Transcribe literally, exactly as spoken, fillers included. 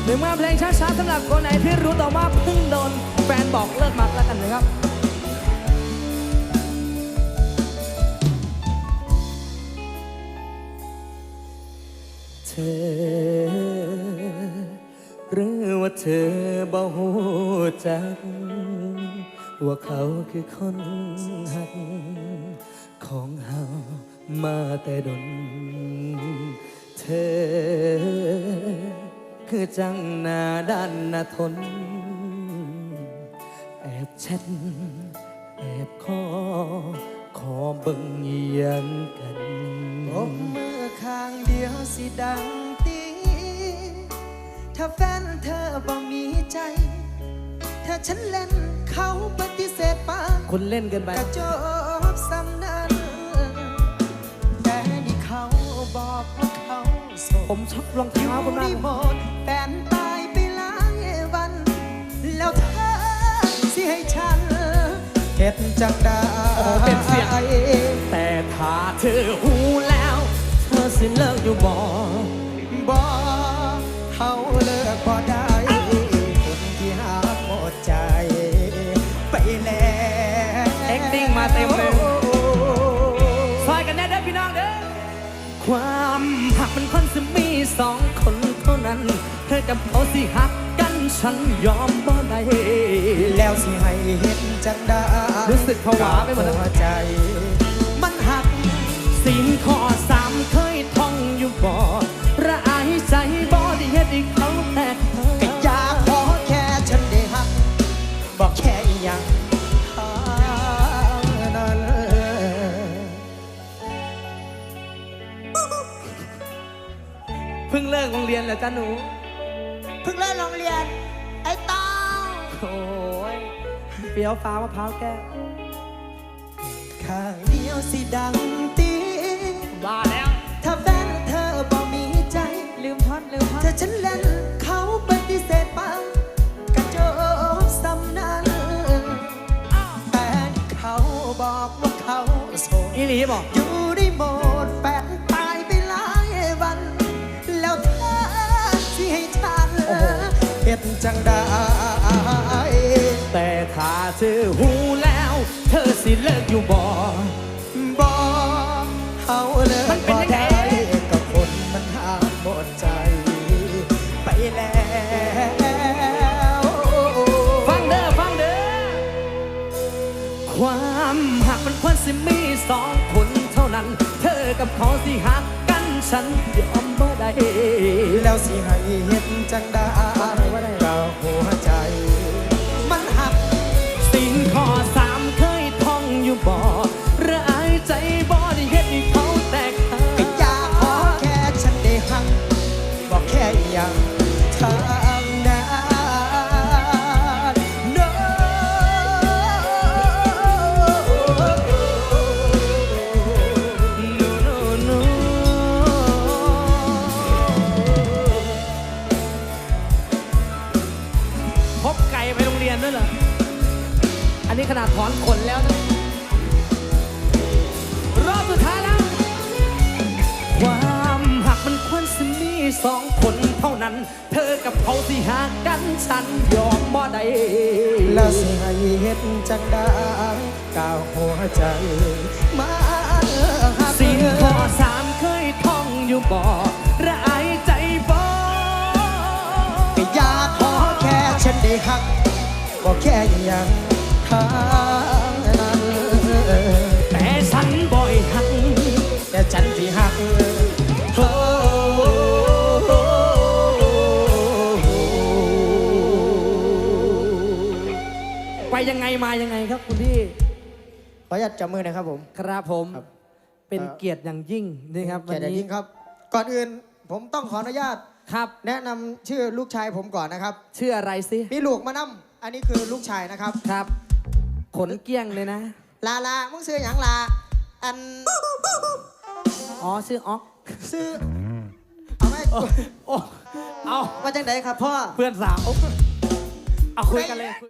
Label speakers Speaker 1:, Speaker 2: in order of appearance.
Speaker 1: หนึ่งมาเพลงช้าๆสำหรับคนไหนที่รู้ต่อว่าเพิ่งโดนแฟนบอกเลิกมักแล้วกันนะครับเธอหรือว่าเธอบ่ฮู้จักว่าเขาคือคนหักของเฮามาแต่ดนเธอคือจังหน้าด้านหน้าทนแอบแชทแอบขอขอเบิ่งเยียงกัน
Speaker 2: ผมมือข้างเดียวสิดังตีถ้าแฟนเธอบ่มีใจถ้าฉันเล่นเขาปฏิเสธปา
Speaker 1: คนเล่นกันไป
Speaker 2: กระจบซ้ำนั้นแต่นี่เขาบอกว่าเขาโสด
Speaker 1: ผมชอบรองเท้าคุณมาก
Speaker 2: หมดแฟนตายไปหลายวันแล้วเธอสิให้ฉันเฮ็ดจังได้
Speaker 1: โอ้เป็นเสียงแต่ถ้าเธอหูแล้วเธอสิเลิกอยู่บ่
Speaker 2: บ่เขาเลิกบ่ได้คนที่หาหมดใจไปแล้ว
Speaker 1: แอคติ้งมาเต็มเลยซอยกันแน่เด้อพี่น้องเด้อความหักมันคนจะมีสองคนเท่านั้นเธอกับเขาสิหักกันฉันยอมบ่ได้
Speaker 2: แล้วสิให้เห็นจังได้
Speaker 1: รู้สึกผวาไปหมด
Speaker 2: แล้วใจมันหัก
Speaker 1: สิ่งข้อสามเคยท่องอยู่บ่ระอายใจบ่ได้เฮ็ดให้เขาแตก
Speaker 2: ก็อยากขอแค่ฉันได้หักบอกแค่อย่างนั้น
Speaker 1: เพิ่งเลิกโรงเรียนแล้วจ้ะหนู
Speaker 2: เพิ่งเลิกโรงเรียนไอ้ต้อง
Speaker 1: โอ้ยเปรี้ยวฟ้ามะพร้าวแก้ว
Speaker 2: ข้างเดียวสิดังตี
Speaker 1: บ้าแล้ว
Speaker 2: ถ้าแฟนเธอบ่มีใจ
Speaker 1: ลืมท่อนลืมท่อน
Speaker 2: ถ้าฉันเล่นเขาปฏิเสธปังกระโจบซ้ำนั้นแต่เขาบอกว่าเขาโสด
Speaker 1: อีหลีบอก
Speaker 2: อยู่ได้หมดแฟนตายไปหลายวันแล้วเธอที่ให้ฉันเฮ็ดจังได้
Speaker 1: แต่ถ้าเธอหูแล้วเธอสิเลิกอยู่บ่
Speaker 2: บ่เขาเลิกบ่ได้กับคนมันหาหมดใจไปแล้ว
Speaker 1: ฟังเด้อฟังเด้อความหักมันควรสิมีสองคนเท่านั้นเธอกับเขาสิหักกันฉันยอมบ่ได้
Speaker 2: แล้วสิให้เห็นจังได้กับหัวใจมันหัก
Speaker 1: สิ่งข้อสามเคยท่องอยู่บ่ระอายใจบ่ได้เฮ็ดให้เขาแตกหัก
Speaker 2: ก็อยากขอแค่ฉันได้หักบอกแค่อย่างทางนั้นโน้
Speaker 1: โน้โน้พบไก่ไปโรงเรียนด้วยเหรออันนี้ขนาดถอนขนแล้วนะรอบสุดท้ายแล้วความหักมันควรสิมีสองคนเท่านั้นเธอกับเขาสิหากันฉันยอมบ่ได้
Speaker 2: แล้วสิให้เห็นจังได้ก้าวหัวใจมา
Speaker 1: สิ่งข้อสามเคยท่องอยู่บ่ระอายใจบ่
Speaker 2: ก็อยากขอแค่ฉันได้หักบอกแค่อย่างทางนั้น
Speaker 1: แต่ฉันบ่อยหัก
Speaker 2: แต่ฉันที่หักโอ้
Speaker 1: ไปยังไงมายังไงครับคุณพี่
Speaker 2: ขออนุญาตจับมือหน่อยครับผม
Speaker 1: ครับผมเป็นเกียรติอย่างยิ่งนี่ครับ
Speaker 2: เกียรติอย่างยิ่งครับก่อนอื่นผมต้องขออนุญาต
Speaker 1: ครับ
Speaker 2: แนะนำชื่อลูกชายผมก่อนนะครับ
Speaker 1: ชื่ออะไรสิ
Speaker 2: มีลูกมานำอันนี้คือลูกชายนะครับ
Speaker 1: ครับขนเกี้ยงเลยนะ
Speaker 2: ลาลามึงซื้ออย่างลาอัน
Speaker 1: อ๋อชื่ออ๊อก
Speaker 2: ซื้อเอาไหม
Speaker 1: โอ้เอา
Speaker 2: มาจากไหนครับพ่อ
Speaker 1: เพื่อนสาวเอาคุยกันเลย